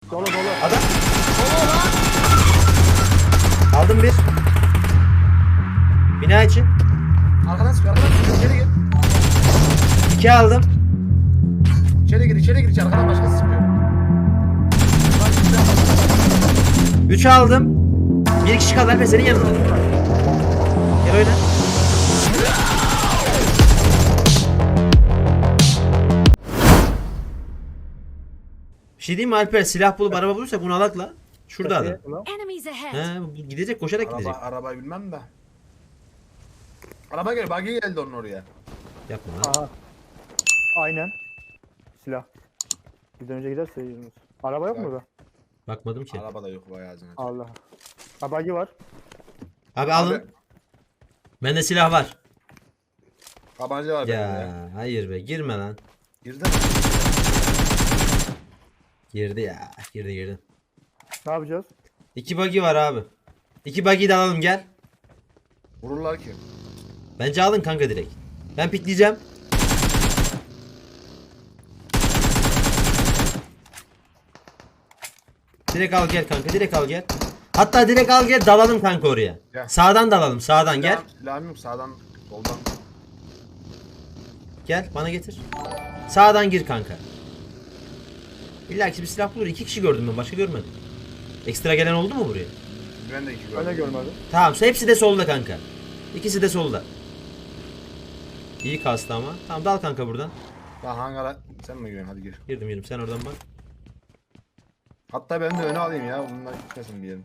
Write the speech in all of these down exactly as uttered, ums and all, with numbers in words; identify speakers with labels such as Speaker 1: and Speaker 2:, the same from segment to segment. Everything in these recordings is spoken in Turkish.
Speaker 1: Dolu dolu.
Speaker 2: Adam. Aldım bir. Bina içi.
Speaker 3: Arkadan sık, arkadan sık. İçeri gir.
Speaker 2: İki aldım.
Speaker 3: İçeri gir, içeri gir. İçeri arkadan başkası sıkıyor.
Speaker 2: Üç aldım. Bir kişi kaldı Alper senin yanında. Gel oyna. Bir şey diyeyim mi Alper? Silah bulup araba bulursak bunu alak la. Şurada adam.
Speaker 4: Enemies ahead.
Speaker 2: He, bu gidecek koşarak
Speaker 3: Araba,
Speaker 2: gidecek.
Speaker 3: arabayı bilmem de. Araba gel, buggy geldi onun oraya.
Speaker 2: Yapma lan.
Speaker 1: Aha. Aynen. Silah. Bizden önce giderse yürümüz. Araba yok mu burada?
Speaker 2: Bakmadım ki.
Speaker 3: Araba da yok bayağı zaten.
Speaker 1: Allah. Ha bagi var.
Speaker 2: Abi alın.
Speaker 3: Abi,
Speaker 2: Bende silah var.
Speaker 3: tabanca var benim ya.
Speaker 2: Ya hayır be girme lan.
Speaker 3: Girdi mi?
Speaker 2: Girdi ya. Girdi girdi.
Speaker 1: Ne yapacağız?
Speaker 2: İki buggy var abi. İki buggy'yi de alalım gel.
Speaker 3: Vururlar ki.
Speaker 2: Bence alın kanka direkt. Ben pikleyeceğim. Direkt al gel kanka direkt al gel. Hatta direkt al gel dalalım kanka oraya.
Speaker 3: Gel.
Speaker 2: Sağdan dalalım sağdan gel.
Speaker 3: Silahım- Silahım yok sağdan, soldan.
Speaker 2: Gel bana getir. Sağdan gir kanka. İlla ki bir silah bulur. İki kişi gördüm ben başka görmedim. Ekstra gelen oldu mu buraya?
Speaker 3: Ben de iki
Speaker 1: Ben de
Speaker 3: gördüm.
Speaker 1: görmedim.
Speaker 2: Tamam hepsi de solda kanka. İkisi de solda. İyi kastı ama. Tamam dal kanka buradan.
Speaker 3: Lan hangara sen mi giriyorsun? Hadi gir.
Speaker 2: Girdim girdim sen oradan bak.
Speaker 3: Hatta ben de öne alayım ya. Bunlar gitmesin bir yerim.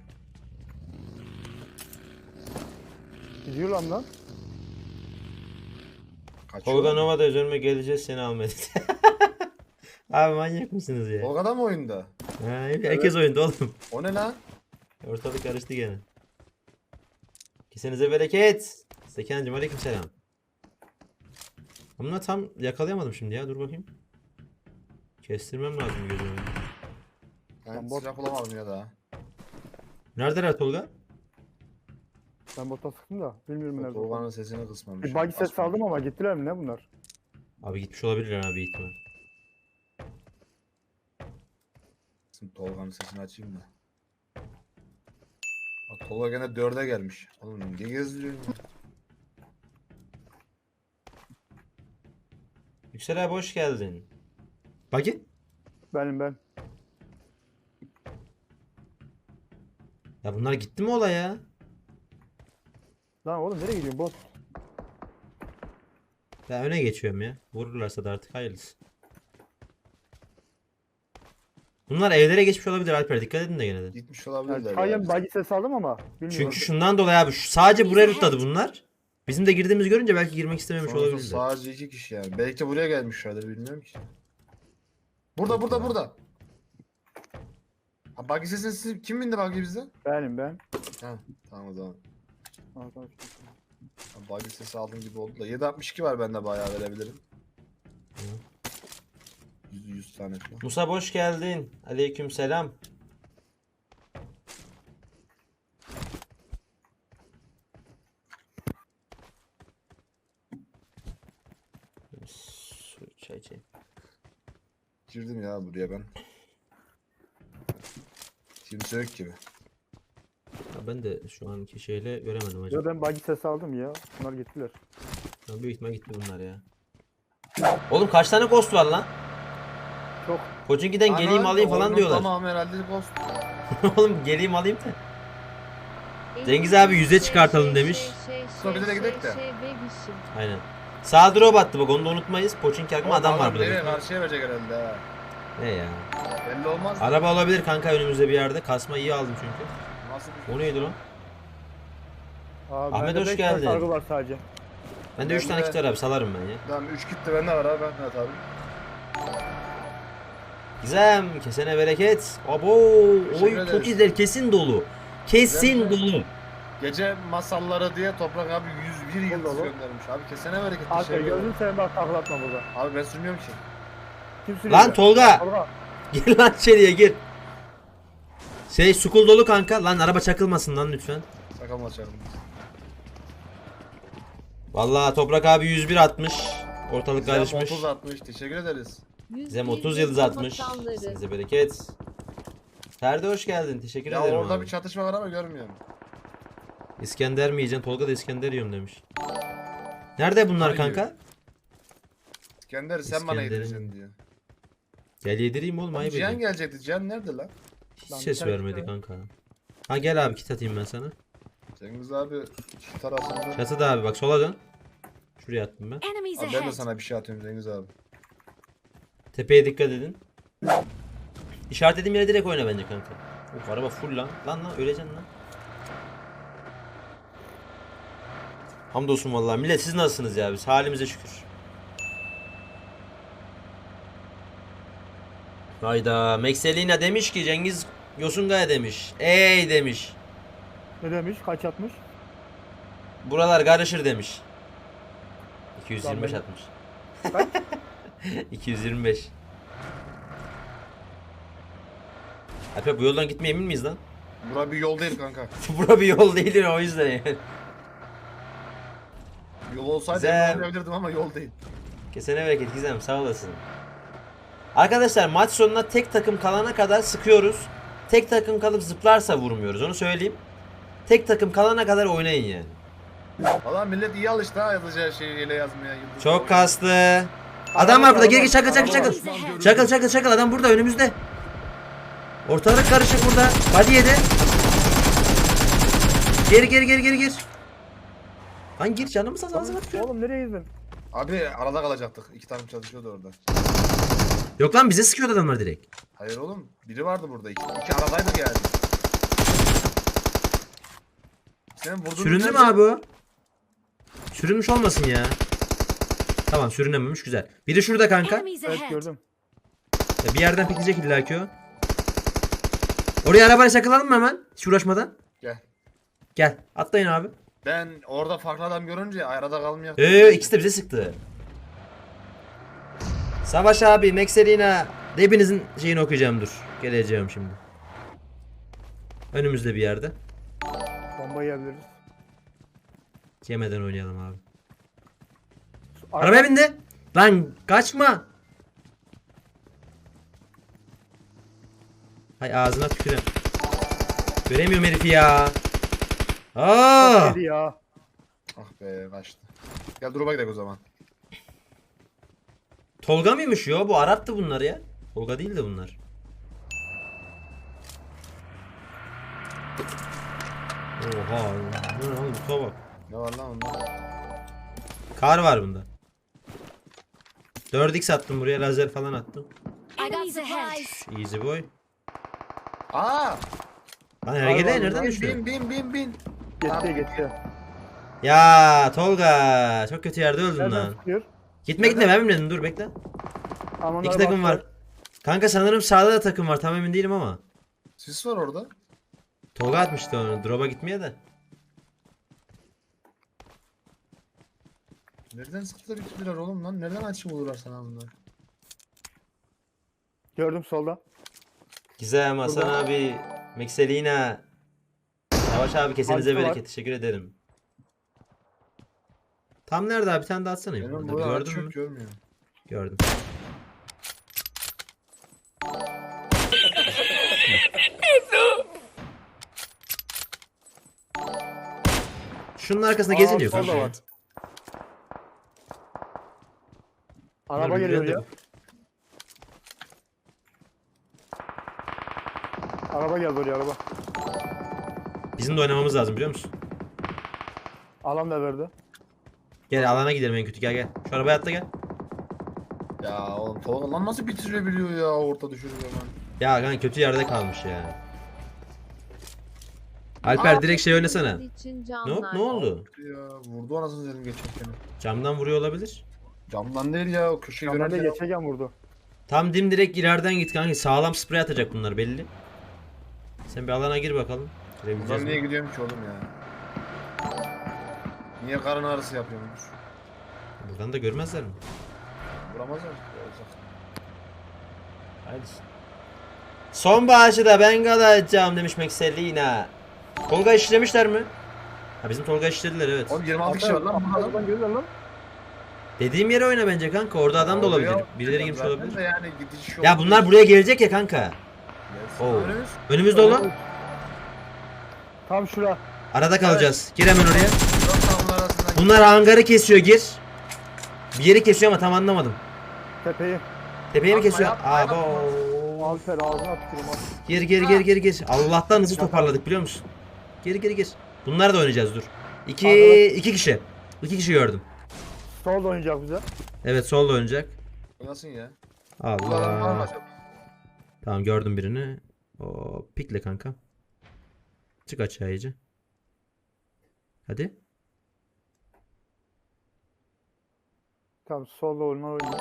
Speaker 1: Gidiyor lan lan.
Speaker 3: Kaçıyor.
Speaker 2: Tolga Nova'da üzerime geleceğiz seni almaya dedi. Abi manyak mısınız ya?
Speaker 3: Tolga'da mı oyunda?
Speaker 2: Ha, herkes oyunda oğlum.
Speaker 3: O ne lan?
Speaker 2: Ortalık karıştı gene. Kesenize bereket. Sekancım aleyküm selam. Ama tam yakalayamadım şimdi ya dur bakayım. Kestirmem lazım gözümü.
Speaker 3: Ben
Speaker 1: Lan bot-
Speaker 3: silah bulamadım ya daha.
Speaker 2: Neredeler Tolga?
Speaker 1: Ben bota sıktım da. Bilmiyorum nerede.
Speaker 3: Tolga'nın sesini kısmamış.
Speaker 1: Bir bagi ses aldım ama gittiler mi ne bunlar?
Speaker 2: Abi gitmiş olabilirler abi ihtimal.
Speaker 3: Şimdi Tolga'nın sesini açayım da. Bak Tolga gene dörde gelmiş. Oğlum ne gezdiriyorsun ya?
Speaker 2: Yüksel abi hoş geldin. Bagi?
Speaker 1: Benim ben.
Speaker 2: Ya bunlar gitti mi olaya?
Speaker 1: Lan oğlum nereye gidiyorsun bot?
Speaker 2: Ya öne geçiyorum ya. Vururlarsa da artık hayırlısı. Bunlar evlere geçmiş olabilir Alper dikkat edin de gene de.
Speaker 3: Gitmiş
Speaker 1: Yani
Speaker 3: olabilirler.
Speaker 1: Çayyan
Speaker 3: ya.
Speaker 1: bagi ses aldım ama bilmiyorum.
Speaker 2: Çünkü şundan dolayı abi şu, sadece buraya rutladı bunlar. Bizim de girdiğimizi görünce belki girmek istememiş
Speaker 3: Sonuçta
Speaker 2: olabilirler.
Speaker 3: sadece iki kişi yani. Belki de buraya gelmişlerdir bilmiyorum ki. Burada burada burada. Ha buggy sesini siz kim bindi buggy bizde?
Speaker 1: Benim ben.
Speaker 3: Ha tamam o zaman.
Speaker 1: Al, tamam.
Speaker 3: Ha, buggy sesi aldığım gibi oldu da. yedi altmış iki var bende bayağı verebilirim. yüz, yüz tane falan.
Speaker 2: Musa hoş geldin. Aleyküm selam. Su çay çay.
Speaker 3: Girdim ya buraya ben. Kimse yok gibi.
Speaker 2: Ya ben de şu anki şeyle göremedim acaba.
Speaker 1: Ya ben bagi ses aldım ya. Bunlar gittiler.
Speaker 2: Ya büyük ihtimal gitti bunlar ya. Oğlum kaç tane ghost var lan?
Speaker 1: Çok.
Speaker 2: Koçinki'den geleyim
Speaker 3: Ana,
Speaker 2: alayım falan
Speaker 3: oyunun
Speaker 2: diyorlar.
Speaker 3: Tamam herhalde ghost.
Speaker 2: Oğlum geleyim alayım da. Cengiz abi yüze çıkartalım demiş.
Speaker 3: Sonra bize de gidelim de.
Speaker 2: Aynen. Sağ drop attı bak onu da unutmayız. Poçinki akma adam var burada.
Speaker 3: Nereye
Speaker 2: büyük ihtimal.
Speaker 3: karşıya verecek herhalde ha.
Speaker 2: Ne ya?
Speaker 3: Belli olmaz.
Speaker 2: Araba olabilir kanka önümüzde bir yerde. Kasma iyi aldım çünkü.
Speaker 3: Nasıl bir
Speaker 2: O neydi lan?
Speaker 1: Abi,
Speaker 2: Ahmet,
Speaker 1: bende
Speaker 2: hoş
Speaker 1: beş tane
Speaker 2: geldin.
Speaker 1: sargı var sadece.
Speaker 2: Bende üç
Speaker 3: Ben
Speaker 2: tane
Speaker 3: de-
Speaker 2: kit var abi salarım ben ya.
Speaker 3: Tamam üç gitti bende var abi ben de atarım.
Speaker 2: Gizem kesene bereket. Abo
Speaker 3: Teşekkür
Speaker 2: oy çok
Speaker 3: ederiz.
Speaker 2: izler kesin dolu. Kesin
Speaker 3: Güzel mi?
Speaker 2: dolu.
Speaker 3: Gece masalları diye Toprak abi yüz bir yıldız
Speaker 1: Dolu.
Speaker 3: göndermiş. Abi kesene bereket.
Speaker 1: Alper
Speaker 3: teşekkür ederim.
Speaker 1: gözünü seveyim bak taklatma burada.
Speaker 3: Abi ben sürmüyorum ki.
Speaker 1: Kim sürüyor?
Speaker 2: Lan Tolga.
Speaker 1: Tolga.
Speaker 2: Gir lan içeriye gir. Şey sukul dolu kanka. Lan araba çakılmasın lan lütfen.
Speaker 3: Sakal açarım.
Speaker 2: Vallahi Toprak abi yüz bir atmış. Ortalık
Speaker 3: Güzel
Speaker 2: karışmış.
Speaker 3: otuz atmış. Teşekkür ederiz.
Speaker 2: Zem otuz yıldız atmış. Size bereket. Ferdi hoş geldin. Teşekkür
Speaker 3: Ya
Speaker 2: ederim
Speaker 3: orada
Speaker 2: abi.
Speaker 3: bir çatışma var ama görmüyorum.
Speaker 2: İskender mi yiyeceksin? Tolga da İskender yiyorum demiş. Nerede bunlar
Speaker 3: Hayır.
Speaker 2: kanka?
Speaker 3: İskender sen bana
Speaker 2: İskender'in-
Speaker 3: yedireceksin diyor.
Speaker 2: Gel yedireyim oğlum, ayıp
Speaker 3: Cihan
Speaker 2: ediyorsun.
Speaker 3: gelecekti. Cihan nerede lan?
Speaker 2: Hiç
Speaker 1: Lan bir
Speaker 2: ses
Speaker 1: tane
Speaker 2: vermedi
Speaker 1: çıkıyor.
Speaker 2: kanka. Ha gel abi, kit atayım ben sana.
Speaker 3: Cengiz abi şu tarafında.
Speaker 2: Çatıda abi, bak sola dön. Şuraya attım ben.
Speaker 4: Enemies
Speaker 3: Abi ben de
Speaker 4: ahead.
Speaker 3: sana bir şey atıyorum Cengiz abi.
Speaker 2: Tepeye dikkat edin. İşaretlediğim yere direkt oyna bence kanka. Of, araba full lan. Lan lan öleceksin lan. Hamdolsun vallahi. Millet siz nasılsınız ya? Biz halimize şükür. Hayda. Mekselina demiş ki Cengiz Yosungaya demiş. Ey demiş.
Speaker 1: Ne demiş? Kaç atmış?
Speaker 2: Buralar karışır demiş. iki yüz yirmi beş
Speaker 1: Lan
Speaker 2: atmış.
Speaker 1: Kaç?
Speaker 2: iki yüz yirmi beş. Alper bu yoldan gitmeye emin miyiz lan?
Speaker 3: Bura bir yol değil kanka.
Speaker 2: Bura bir yol değil o yüzden yani.
Speaker 3: Yol olsaydı
Speaker 2: Güzel.
Speaker 3: emin olabilirdim ama yol değil.
Speaker 2: Kesene bereket Gizem, sağ olasın. Arkadaşlar maç sonuna tek takım kalana kadar sıkıyoruz. Tek takım kalıp zıplarsa vurmuyoruz, onu söyleyeyim. Tek takım kalana kadar oynayın yani.
Speaker 3: Valla millet iyi alıştı ha yazacağı şeyi ile yazmaya. Yıldız
Speaker 2: Çok
Speaker 3: koyuyor.
Speaker 2: kaslı. Adam var burada, gel gel, çakıl çakıl
Speaker 1: Araba var.
Speaker 2: çakıl. Çakıl çakıl çakıl, adam burada önümüzde. Ortalık karışık burada. Hadi yedi. Geri geri geri geri gir. Lan gir, canımı saz ağzına tükür.
Speaker 1: Oğlum nereye girdin?
Speaker 3: Abi arada kalacaktık. İki tane çalışıyordu orada.
Speaker 2: Yok lan, bize sıkıyordu adamlar direkt.
Speaker 3: Hayır oğlum. Biri vardı burada. İki, iki aradaydık yani. Senin vurduğun
Speaker 2: Süründü mü
Speaker 3: nerede?
Speaker 2: abi o? Sürünmüş olmasın ya. Tamam, sürünememiş, güzel. Biri şurada kanka.
Speaker 4: Enemies
Speaker 1: Evet
Speaker 4: ahead.
Speaker 1: gördüm.
Speaker 2: Ya bir yerden pikleyecek illaki o. Oraya arabayla çakılalım mı hemen? Hiç uğraşmadan.
Speaker 3: Gel.
Speaker 2: Gel. Atlayın abi.
Speaker 3: Ben orada farklı adam görünce arada kalmıyor.
Speaker 2: Eee ikisi de bize sıktı. Savaş abi, Mekselina. Hepinizin şeyini okuyacağım, dur. Geleceğim şimdi. Önümüzde bir yerde.
Speaker 1: Bomba yiyebiliriz.
Speaker 2: Yemeden oynayalım abi.
Speaker 1: Araba-
Speaker 2: Arabaya bindi. Lan kaçma. Hay ağzına tükürem. Göremiyorum herifi ya. Aa!
Speaker 1: Yedi ya.
Speaker 3: Ah be kaçtı. Gel drop'a gidelim o zaman.
Speaker 2: Tolga mıymış ya? Bu Arap'tı bunlar ya. Tolga değil de bunlar. Oha. Bu ne oğlum? Kutuya bak.
Speaker 3: Ne var lan onda?
Speaker 2: Kar var bunda. dört x attım buraya, lazer falan attım.
Speaker 4: Enemies ahead.
Speaker 2: Easy boy.
Speaker 3: Aa!
Speaker 2: Lan hergele
Speaker 1: var,
Speaker 2: nereden
Speaker 1: var.
Speaker 2: düştü?
Speaker 3: Bin bin bin bin.
Speaker 1: Geçti geçti.
Speaker 2: Ya Tolga, çok kötü yerde öldün
Speaker 1: Nereden
Speaker 2: lan.
Speaker 1: sıkıyor?
Speaker 2: Gitme gitme, ben bilmedim, dur bekle.
Speaker 1: Aman
Speaker 2: İki
Speaker 1: araba
Speaker 2: takım
Speaker 1: attı.
Speaker 2: var. Kanka sanırım sağda da takım var, tam emin değilim ama.
Speaker 3: Sis var orada.
Speaker 2: Tolga atmıştı onu, drop'a gitmeye de.
Speaker 3: Nereden sıktılar ikililer oğlum lan? Nereden açım olurlar sana bunlar?
Speaker 1: Gördüm solda.
Speaker 2: Gizem, Hasan
Speaker 1: Burada.
Speaker 2: abi, Mekselina. Savaş abi, kesenize
Speaker 1: Altı var.
Speaker 2: bereket, teşekkür ederim. Tam nerede abi, bir tane daha atsana.
Speaker 3: Benim
Speaker 2: Burada.
Speaker 3: burada
Speaker 2: Gördün
Speaker 3: aç
Speaker 2: mü?
Speaker 3: yok görmüyorum.
Speaker 2: Gördüm. Şunun arkasında
Speaker 1: Aa,
Speaker 2: geziniyor
Speaker 1: solda
Speaker 2: kanka.
Speaker 1: var. Araba
Speaker 2: Bunlar
Speaker 1: geliyor
Speaker 2: birbirine
Speaker 1: ya.
Speaker 2: de-
Speaker 1: Araba geldi oraya araba.
Speaker 2: Bizim de oynamamız lazım, biliyor musun?
Speaker 1: Alan da verdi.
Speaker 2: Gel alana gidelim en kötü, gel gel. Şu arabaya atla gel.
Speaker 3: Ya oğlum Tolga lan nasıl bitirebiliyor ya orta düşürüyor hemen.
Speaker 2: Ya kanka kötü yerde kalmış ya. Alper direkt şey oynasana. Ne, ne oldu?
Speaker 3: Ya vurdu anasını dedim geçerken.
Speaker 2: Camdan vuruyor olabilir.
Speaker 3: Camdan değil ya o köşeyi
Speaker 1: Camdan da
Speaker 3: görünce.
Speaker 1: geçerken vurdu.
Speaker 2: Tam dim direkt ileriden git kanka. Sağlam sprey atacak bunlar belli. Sen bir alana gir bakalım. Girebileceğiz
Speaker 3: Buradan
Speaker 2: mi?
Speaker 3: niye gidiyorum ki oğlum ya? Niye karın ağrısı yapıyormuş?
Speaker 2: Buradan da görmezler mi?
Speaker 3: Vuramazlar. Olacak.
Speaker 2: Haydi. Son bağışı da ben kalacağım demiş Mekselina. Tolga işlemişler mi? Ha bizim Tolga işlediler, evet.
Speaker 3: Oğlum yirmi altı kişi var lan burada.
Speaker 1: Arabadan geliyor lan.
Speaker 2: Dediğim yere oyna bence kanka. Orada adam da olabilir.
Speaker 3: Oraya
Speaker 2: Birileri girmiş
Speaker 3: zaten
Speaker 2: olabilir.
Speaker 3: de Yani gidiş yok.
Speaker 2: Ya bunlar buraya gelecek ya kanka.
Speaker 3: Gelsin.
Speaker 2: Oo.
Speaker 3: Önümüz.
Speaker 2: Önümüzde olan.
Speaker 1: Tam şura.
Speaker 2: Arada kalacağız. Gir hemen oraya.
Speaker 3: Dört takımın arasından.
Speaker 2: Bunlar hangarı kesiyor, gir. Bir yeri kesiyor ama tam anlamadım.
Speaker 1: Tepeyi.
Speaker 2: Tepeye mi
Speaker 3: Yapma,
Speaker 2: kesiyor?
Speaker 3: yapma,
Speaker 2: Abo.
Speaker 1: Alper ağzına tükürüm al.
Speaker 2: Gir gir gir gir gir. Allah'tan hızlı toparladık biliyor musun? Gir gir gir. Bunlar da oynayacağız dur. İki,
Speaker 1: Arkadaş-
Speaker 2: iki kişi. İki kişi gördüm.
Speaker 1: Sol da oynayacak bize.
Speaker 2: Evet solda oynayacak.
Speaker 3: Nasıl ya?
Speaker 2: Allah. Tamam gördüm birini. O pikle kanka. Çık aşağı iyice. Hadi.
Speaker 1: Tamam solda oynar oynuyor.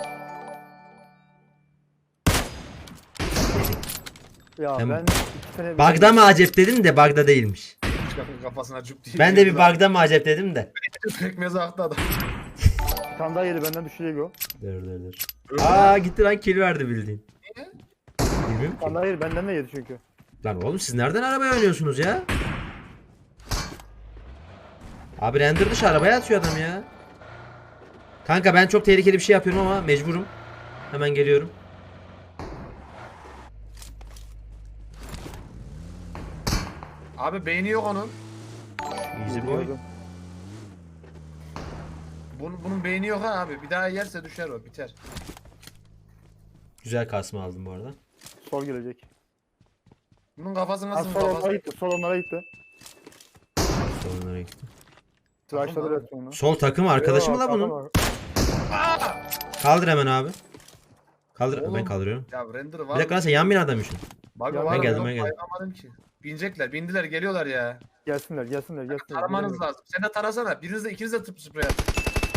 Speaker 1: Ya
Speaker 2: Ben-
Speaker 1: ben iki tane...
Speaker 2: Bagda mı acep dedim de Bagda değilmiş.
Speaker 3: Kafasına cüp diye.
Speaker 2: Ben de bir Bagda mı acep dedim de.
Speaker 3: Pekmezi aktı adam.
Speaker 1: Bir tane daha yedi benden düşecek o.
Speaker 2: Dur dur dur. Aa gitti lan kill verdi bildiğin.
Speaker 3: Niye?
Speaker 2: Bilmiyorum
Speaker 1: Bir
Speaker 2: ki.
Speaker 1: tane daha yedi benden de yedi çünkü.
Speaker 2: Lan oğlum siz nereden arabaya oynuyorsunuz ya? Abi render dışı arabaya atıyor adam ya. Kanka ben çok tehlikeli bir şey yapıyorum ama mecburum. Hemen geliyorum.
Speaker 3: Abi beyni yok onun.
Speaker 2: Easy boy.
Speaker 1: Gördüm.
Speaker 3: Bunun, bunun beyni yok ha abi. Bir daha yerse düşer o. Biter.
Speaker 2: Güzel kasma aldım bu arada.
Speaker 1: Sol gelecek.
Speaker 3: Bunun kafası
Speaker 1: Ha,
Speaker 3: nasıl
Speaker 1: sol onlara
Speaker 3: kafası?
Speaker 1: gitti. Sol onlara gitti.
Speaker 2: Sonlara gitti.
Speaker 1: Tıraşladı
Speaker 3: Takım
Speaker 1: resmen onu.
Speaker 2: Sol takım arkadaşı mı la bunun?
Speaker 1: Yok,
Speaker 2: Kaldır hemen abi. Kaldır.
Speaker 3: Oğlum.
Speaker 2: Ben kaldırıyorum.
Speaker 3: Ya render
Speaker 2: Bir
Speaker 3: var.
Speaker 2: dakika lan sen yan binadaymışsın.
Speaker 3: Bak
Speaker 1: Ya
Speaker 3: var
Speaker 1: ben
Speaker 2: geldim,
Speaker 3: yok,
Speaker 2: ben geldim.
Speaker 3: bayılamadım ki. Binecekler, bindiler, geliyorlar ya.
Speaker 1: Gelsinler gelsinler gelsinler.
Speaker 3: Taramanız lazım. Sen de tarasana. Biriniz de ikiniz de tıp sprey at.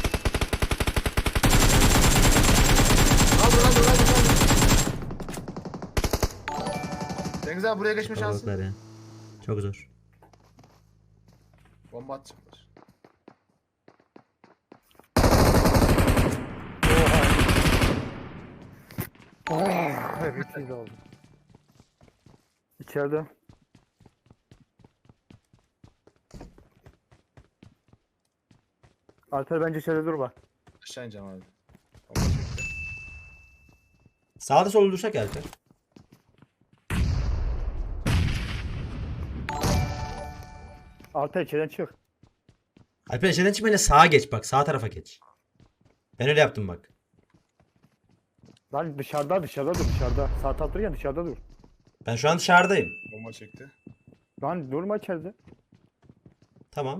Speaker 3: Kaldır, kaldır, kaldır, kaldır. Cengiz abi buraya geçme şansın.
Speaker 2: Kalabalıklar ya. Çok zor.
Speaker 3: Bomba atacaklar.
Speaker 1: Oha. Evet iyi de oldu. İçeride. Alper bence içeride dur bak.
Speaker 3: Aşağı ineceğim abi. Bomba çekti.
Speaker 2: Sağda solda dursak ya Alper.
Speaker 1: Alper içeriden çık.
Speaker 2: Alper şeyden çıkmayınca sağa geç bak. Sağ tarafa geç. Ben öyle yaptım bak.
Speaker 1: Lan dışarıda dışarıda dur dışarıda. Sağ taraf dururken dışarıda dur.
Speaker 2: Ben şu an dışarıdayım.
Speaker 3: Bomba çekti.
Speaker 1: Lan durma içeride.
Speaker 2: Tamam.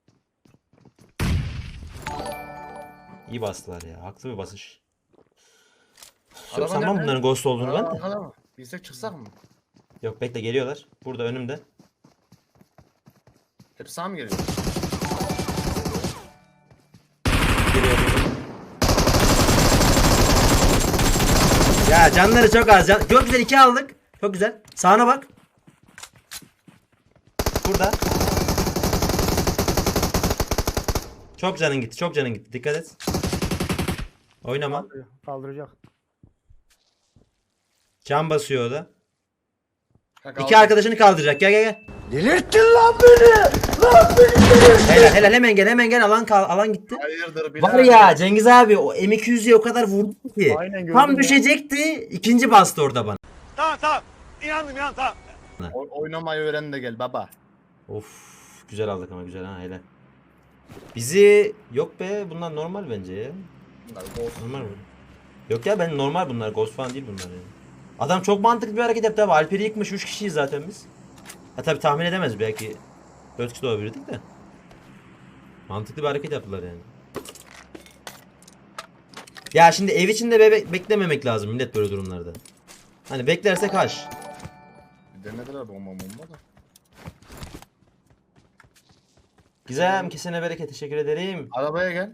Speaker 2: İyi bastılar ya. Haklı bir basış. Yok
Speaker 3: Araba
Speaker 2: sanmam
Speaker 3: nerede?
Speaker 2: bunların ghost olduğunu ben
Speaker 3: Araba
Speaker 2: de.
Speaker 3: arkada mı? Bilsek çıksak mı?
Speaker 2: Yok bekle geliyorlar. Burada önümde.
Speaker 3: Hep sağ mı geliyor?
Speaker 2: Geliyor. Ya canları çok az. Can... Çok güzel iki aldık. Çok güzel. Sağına bak. Burada. Çok canın gitti. Çok canın gitti. Dikkat et. Oynama.
Speaker 1: Kaldıracak.
Speaker 2: Can basıyor o da.
Speaker 3: Ha,
Speaker 2: İki
Speaker 3: kaldı.
Speaker 2: arkadaşını kaldıracak. Gel gel gel.
Speaker 4: Delirttin lan beni! Lan beni delirttin!
Speaker 2: Helal helal hemen gel hemen gel. Alan kal alan gitti.
Speaker 3: Hayırdır
Speaker 2: Var ya Cengiz abi o M iki yüz'ü o kadar vurdu ki.
Speaker 1: Aynen gördüm
Speaker 2: Tam
Speaker 1: ya.
Speaker 2: düşecekti. İkinci bastı orada bana.
Speaker 4: Tamam tamam. İnandım inan tamam.
Speaker 3: O- oynamayı öğren de gel baba.
Speaker 2: Of güzel aldık ama güzel ha helal. Bizi yok be bunlar normal bence ya.
Speaker 3: Bunlar ghost.
Speaker 2: Normal mi? Yok ya ben normal bunlar ghost falan değil bunlar yani. Adam çok mantıklı bir hareket yaptı abi. Alper'i yıkmış üç kişiyiz zaten biz. Ha tabi tahmin edemez belki dört kişi de olabilirdik de. Mantıklı bir hareket yaptılar yani. Ya şimdi ev içinde bebe beklememek lazım millet böyle durumlarda. Hani beklersek haş.
Speaker 3: Denediler bomba bomba da.
Speaker 2: Gizem kesene bereket teşekkür ederim.
Speaker 3: Arabaya gel.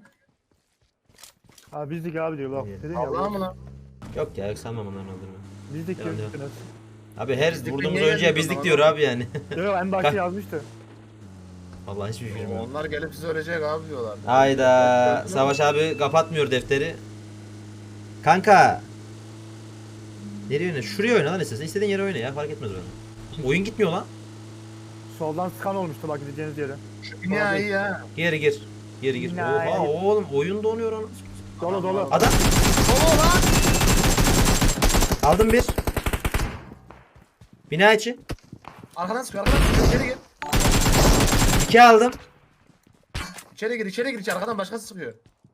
Speaker 1: Ha bizdik abi diyor bak.
Speaker 2: İyi.
Speaker 1: Dedim ya.
Speaker 3: Allah'a mı lan?
Speaker 2: Yok ya yok sanmam onların olduğunu.
Speaker 1: Bizdik
Speaker 2: Devam,
Speaker 1: diyor.
Speaker 2: devam.
Speaker 1: Yok
Speaker 2: Abi her
Speaker 3: Bizlik
Speaker 2: vurduğumuz
Speaker 3: niye
Speaker 2: oyuncuya
Speaker 3: geldik o
Speaker 2: bizlik
Speaker 3: zaman
Speaker 2: diyor
Speaker 3: lan?
Speaker 2: abi yani.
Speaker 1: yok en başta yazmıştı.
Speaker 2: Vallahi hiçbir fikrim yok.
Speaker 3: Onlar gelip sizi ölecek abi diyorlar.
Speaker 2: Hayda. Savaş abi kapatmıyor defteri. Kanka. Nereye oyna? Şuraya oyna lan istersen. İstediğin yere oyna ya. Fark etmez bana. Oyun gitmiyor lan.
Speaker 1: Soldan skan olmuştu bak gideceğiniz yere.
Speaker 3: Şu bina iyi ya.
Speaker 2: Geri gir. Geri gir.
Speaker 1: Nice.
Speaker 2: Oha oğlum oyun donuyor anasını.
Speaker 1: Dolu dolu.
Speaker 2: Adam.
Speaker 3: Solo lan.
Speaker 2: Aldım bir. Bina içi.
Speaker 3: Arkadan sıkıyor arkadan sıkıyor. İçeri gir.
Speaker 2: iki aldım.
Speaker 3: İçeri gir içeri gir. içeri. Arkadan başkası sıkıyor.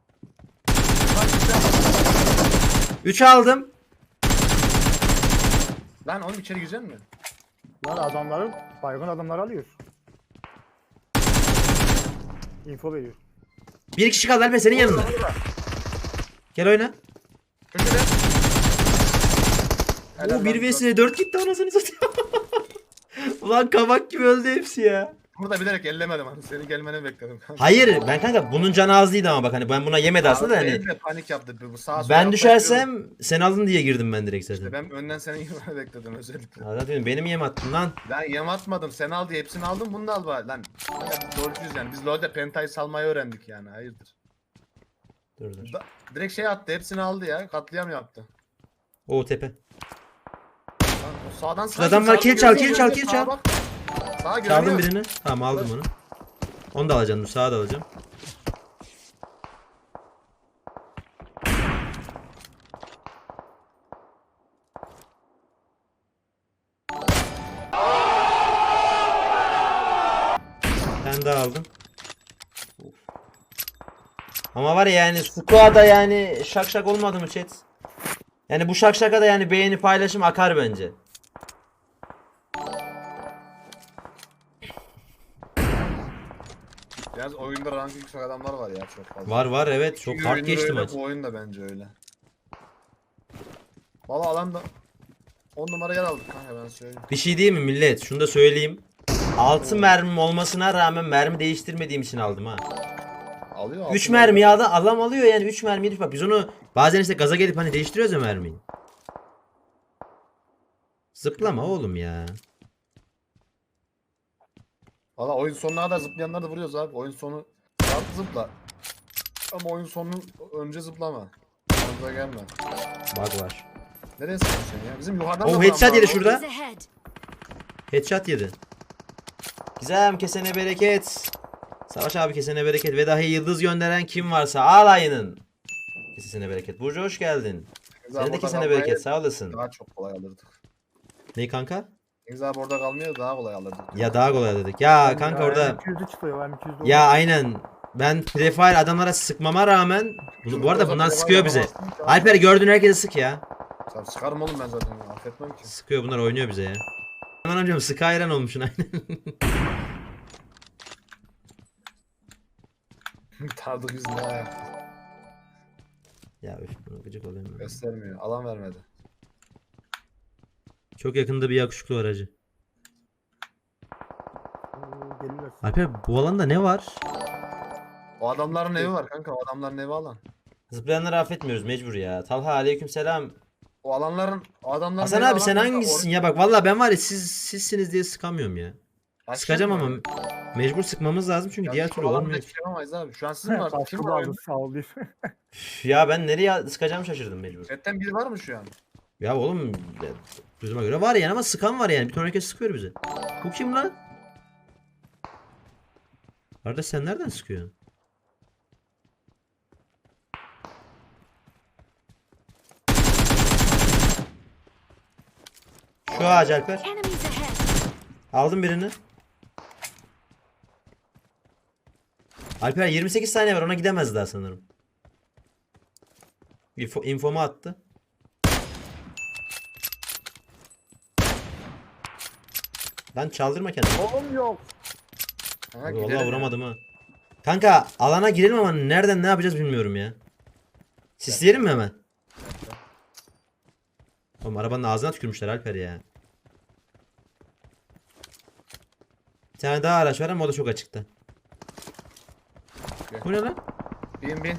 Speaker 2: üç aldım.
Speaker 3: Lan oğlum içeri girecek mi?
Speaker 1: Lan adamları, baygın adamları alıyor. Info veriyor.
Speaker 2: Bir kişi kaldı Alper senin yanında. Gel oyna.
Speaker 3: Köşede.
Speaker 2: Oo bir vs dört gitti anasını satayım. Ulan kabak gibi öldü hepsi ya.
Speaker 3: Burada bilerek ellemedim hani. Senin gelmeni bekledim.
Speaker 2: Hayır ben kanka bunun canı az değildi ama bak hani ben buna yemedi aslında da hani.
Speaker 3: Benim de panik yaptı. Bu sağa sola
Speaker 2: Ben
Speaker 3: yapmak
Speaker 2: düşersem sen aldın diye girdim ben direkt zaten.
Speaker 3: İşte ben önden senin girmeni bekledim özellikle.
Speaker 2: Ya zaten benim yem attın lan.
Speaker 3: Lan yem atmadım. Sen al diye hepsini aldım. Bunu da al bari. Lan LoL'cuyuz yani. Biz LoL'de pentayı salmayı öğrendik yani. Hayırdır.
Speaker 2: Dur dur.
Speaker 3: Da, direkt şey attı. Hepsini aldı ya. Katliam yaptı.
Speaker 2: O tepe.
Speaker 3: Lan, o sağdan
Speaker 2: Şurada adam var, kill çal, kill çal, kill çal.
Speaker 3: Sağa
Speaker 2: Çaldım
Speaker 3: görüyor.
Speaker 2: birini. Tamam aldım onu. Onu da alacağım dur sağa da alacağım. Ben daha aldım. Of. Ama var ya yani squad'a yani şak şak olmadı mı chat? Yani bu şak şaka da yani beğeni paylaşım akar bence.
Speaker 3: Biraz oyunda rank yüksek adamlar var ya çok fazla.
Speaker 2: Var var evet çok
Speaker 3: İyi
Speaker 2: hard
Speaker 3: oyunlar
Speaker 2: geçti
Speaker 3: öyle,
Speaker 2: maç.
Speaker 3: Bu oyun da bence öyle. Valla alanda on numara yer aldık kanka ben söyleyeyim.
Speaker 2: Bir şey değil mi millet? Şunu da söyleyeyim. altı mermim olmasına rağmen mermi değiştirmediğim için aldım ha.
Speaker 3: Alıyor.
Speaker 2: üç
Speaker 3: altında-
Speaker 2: mermi ya da adam alıyor yani üç mermi. Bak biz onu bazen işte gaza gelip hani değiştiriyoruz ya mermiyi. Zıplama oğlum ya.
Speaker 3: Valla oyun sonuna kadar zıplayanları da vuruyoruz abi. Oyun sonu rahat zıpla. Ama oyun sonunun önce zıplama. Yanımıza gelme.
Speaker 2: Bug var.
Speaker 3: Nereye sıkıyorsun sen ya? Bizim yukarıdan
Speaker 2: Oh,
Speaker 3: da vuran
Speaker 2: headshot
Speaker 3: var.
Speaker 2: yedi
Speaker 3: O-
Speaker 2: şurada.
Speaker 5: Enemies ahead.
Speaker 2: Headshot yedi. Gizem kesene bereket. Savaş abi kesene bereket ve dahi yıldız gönderen kim varsa alayının. Kesene bereket. Burcu hoş geldin.
Speaker 3: Deniz abi
Speaker 2: Senin de
Speaker 3: orada
Speaker 2: kesene
Speaker 3: kalmayı
Speaker 2: bereket sağ olasın.
Speaker 3: Daha çok kolay alırdık.
Speaker 2: Ne kanka?
Speaker 3: Deniz abi orada kalmıyor daha kolay alırdık.
Speaker 2: Ya daha kolay dedik. Ya kanka orada.
Speaker 1: M iki yüz'ü çıkıyor, M iki yüz'de
Speaker 2: Ya aynen. Ben prefire adamlara sıkmama rağmen bu, bu arada bunlar sıkıyor bize. Alper gördüğün herkese sık ya.
Speaker 3: Sen sıkarım oğlum ben zaten ya. Affetmem ki.
Speaker 2: Sıkıyor bunlar oynuyor bize ya. Aman amcam sık hayran olmuşsun aynen.
Speaker 3: Tardık yüzüne ayak.
Speaker 2: Ya üf buna gıcık oluyorum ben.
Speaker 3: Göstermiyor. Alan vermedi.
Speaker 2: Çok yakında bir yakışıklı var hacı.
Speaker 1: Oo, gelirler.
Speaker 2: Alper bu alanda ne var?
Speaker 3: O adamların evi var kanka. O adamların evi alan.
Speaker 2: Zıplayanları affetmiyoruz mecbur ya. Talha aleyküm selam.
Speaker 3: O alanların o adamların
Speaker 2: Hasan
Speaker 3: evi
Speaker 2: abi
Speaker 3: alan
Speaker 2: sen
Speaker 3: kanka,
Speaker 2: hangisisin
Speaker 3: or-
Speaker 2: ya bak vallahi ben var ya siz sizsiniz diye sıkamıyorum ya.
Speaker 3: Başka
Speaker 2: Sıkacağım
Speaker 3: mı?
Speaker 2: ama mecbur sıkmamız lazım çünkü
Speaker 3: Ya
Speaker 2: diğer
Speaker 3: şu
Speaker 2: türlü
Speaker 3: alanda
Speaker 2: olmuyor.
Speaker 3: hiçbir şey yapamayız abi. Şu an sizin var. Kim
Speaker 1: Kaçtı
Speaker 3: var?
Speaker 1: aldı, sağ ol deyip.
Speaker 2: Üf, ya ben nereye sıkacağımı şaşırdım mecbur.
Speaker 3: Chatten biri var mı şu an?
Speaker 2: Ya oğlum ya, duyduğuma göre var yani ama sıkan var yani. Bir ton herkes sıkıyor bize. Bu kim lan? Arada sen nereden sıkıyorsun? Şu ağaç Alper.
Speaker 5: Enemies ahead.
Speaker 2: Aldım birini. Alper yirmi sekiz saniye var ona gidemez daha sanırım. Info, infomu attı. Lan çaldırma kendini.
Speaker 1: Oğlum yok.
Speaker 3: Ha,
Speaker 2: Abi
Speaker 3: gidelim
Speaker 2: vallahi
Speaker 3: ya.
Speaker 2: vuramadım ha. Kanka alana girelim ama nereden ne yapacağız bilmiyorum ya. Sisleyelim mi hemen? Oğlum arabanın ağzına tükürmüşler Alper ya. Bir tane daha araç var ama o da çok açıkta.
Speaker 3: Gel.
Speaker 2: Bu ne lan?
Speaker 3: Bin bin.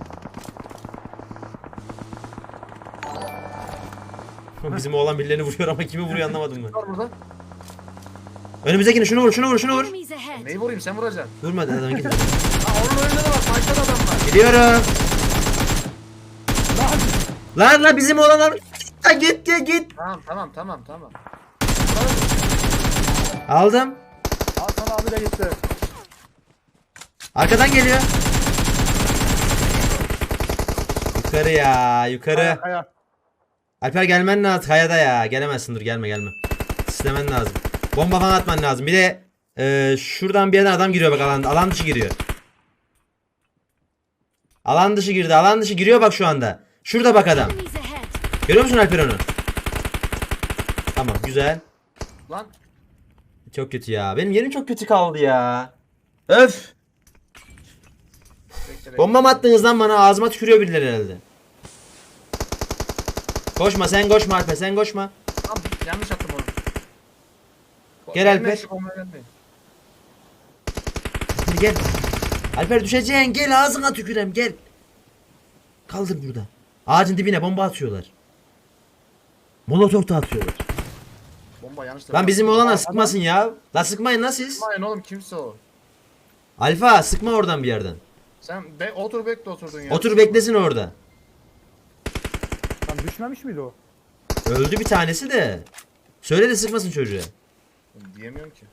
Speaker 2: Bizim oğlan birilerini vuruyor ama kimi vuruyor anlamadım ben.
Speaker 3: Var burada.
Speaker 2: Önümüzdekini şunu vur şunu vur şunu vur.
Speaker 5: Enemies ahead.
Speaker 3: Neyi vurayım sen vuracaksın.
Speaker 2: Vurma adam git.
Speaker 3: Ha onun önünde de bak. Başka da adam var.
Speaker 2: Gidiyorum. Lan lan bizim oğlan al. Ha, git git git.
Speaker 3: Tamam tamam tamam tamam.
Speaker 2: Aldım.
Speaker 1: Hasan abi de gitti.
Speaker 2: Arkadan geliyor. Yukarı ya yukarı.
Speaker 1: Kaya, kaya.
Speaker 2: Alper gelmen lazım kayada ya. Gelemezsin dur gelme gelme. Sisleme işaretlemen lazım. Bomba falan atman lazım. Bir de e, şuradan bir yerden adam giriyor bak alan, alan dışı giriyor. Alan dışı girdi. Alan dışı giriyor bak şu anda. Şurada bak adam.
Speaker 5: Enemies ahead.
Speaker 2: Görüyor musun Alper onu? Tamam güzel.
Speaker 3: Lan.
Speaker 2: Çok kötü ya. Benim yerim çok kötü kaldı ya. Öf.
Speaker 3: Bekle, bekle.
Speaker 2: Bomba mı attınız lan bana? Ağzıma tükürüyor birileri herhalde. Koşma sen koşma Alper sen koşma.
Speaker 3: Lan yanlış attım onu.
Speaker 2: Gel
Speaker 3: Gelme,
Speaker 2: Alper.
Speaker 3: şu bombaya gelmeyin.
Speaker 2: Hadi gel. Alper düşeceksin gel ağzına tükürem gel. Kaldır burada. Ağacın dibine bomba atıyorlar. Molotof da atıyorlar.
Speaker 3: Bomba yanlış.
Speaker 2: Lan bizim olana sıkmasın ya. La sıkmayın lan siz.
Speaker 3: Sıkmayın oğlum kimse o.
Speaker 2: Alfa sıkma oradan bir yerden.
Speaker 3: Sen be otur bekle oturdun ya.
Speaker 2: Otur beklesin orada.
Speaker 1: Lan düşmemiş miydi o?
Speaker 2: Öldü bir tanesi de. Söyle de sıkmasın çocuğa.
Speaker 3: Diyemiyorum ki.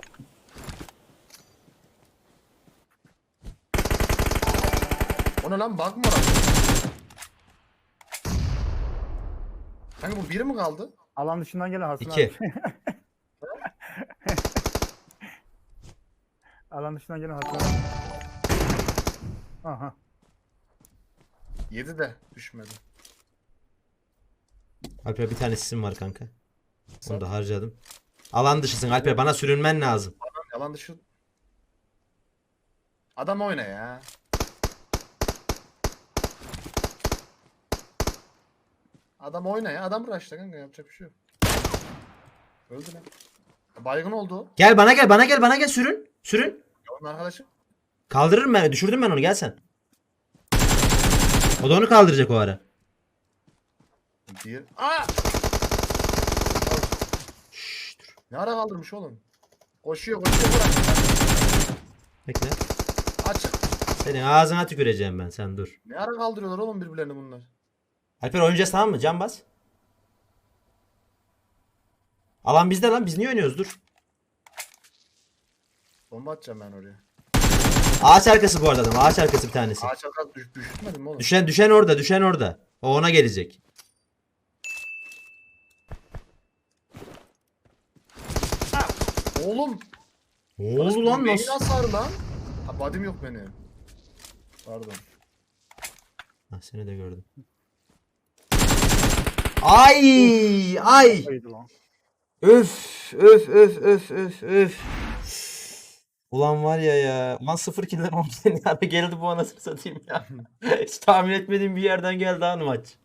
Speaker 3: O ne lan bug mı var? Kanka bu biri mi kaldı?
Speaker 1: Alan dışından gelen Hasan
Speaker 2: İki.
Speaker 1: abi. Alan dışından gelen Hasan abi. Aha.
Speaker 3: Yedi de düşmedi.
Speaker 2: Alper bir tane sisim var kanka. Onu da harcadım. Alan dışısın Alper bana sürünmen lazım.
Speaker 3: Adam yalan dışı. Adam oyna ya. Adam oyna ya. Adam rush'ta kanka yapacak bir şey yok. Öldü lan. Baygın oldu o.
Speaker 2: Gel bana gel bana gel bana gel sürün. Sürün.
Speaker 3: Ya onun arkadaşı.
Speaker 2: Kaldırırım ben düşürdüm ben onu gel sen. O da onu kaldıracak o ara.
Speaker 3: Diğer. Aa!
Speaker 2: Şşş dur.
Speaker 3: Ne ara kaldırmış oğlum? Koşuyor koşuyor bırak.
Speaker 2: Bekle.
Speaker 3: Açık.
Speaker 2: Senin ağzına tüküreceğim ben sen dur.
Speaker 3: Ne ara kaldırıyorlar oğlum birbirlerini bunlar?
Speaker 2: Alper oynayacağız tamam mı? Can bas. Alan bizde lan biz niye oynuyoruz dur.
Speaker 3: Bomba atacağım ben oraya.
Speaker 2: Ağaç arkası bu arada adam ağaç arkası bir tanesi.
Speaker 3: Ağaç arkası düş, düşürtmedim mi oğlum?
Speaker 2: Düşen düşen orada düşen orada. O ona gelecek.
Speaker 3: Oğlum.
Speaker 2: Ne oldu lan
Speaker 3: Beyin
Speaker 2: nasıl?
Speaker 3: hasarı lan. Ha body'm yok benim. Pardon.
Speaker 2: Ha, seni de gördüm. Ay ay.
Speaker 1: Haydi lan.
Speaker 2: Öf öf öf öf öf öf. Ulan var ya ya. Ulan sıfır kill'den on kill yani geldi bu anasını satayım ya. Hiç tahmin etmediğim bir yerden geldi ha maç.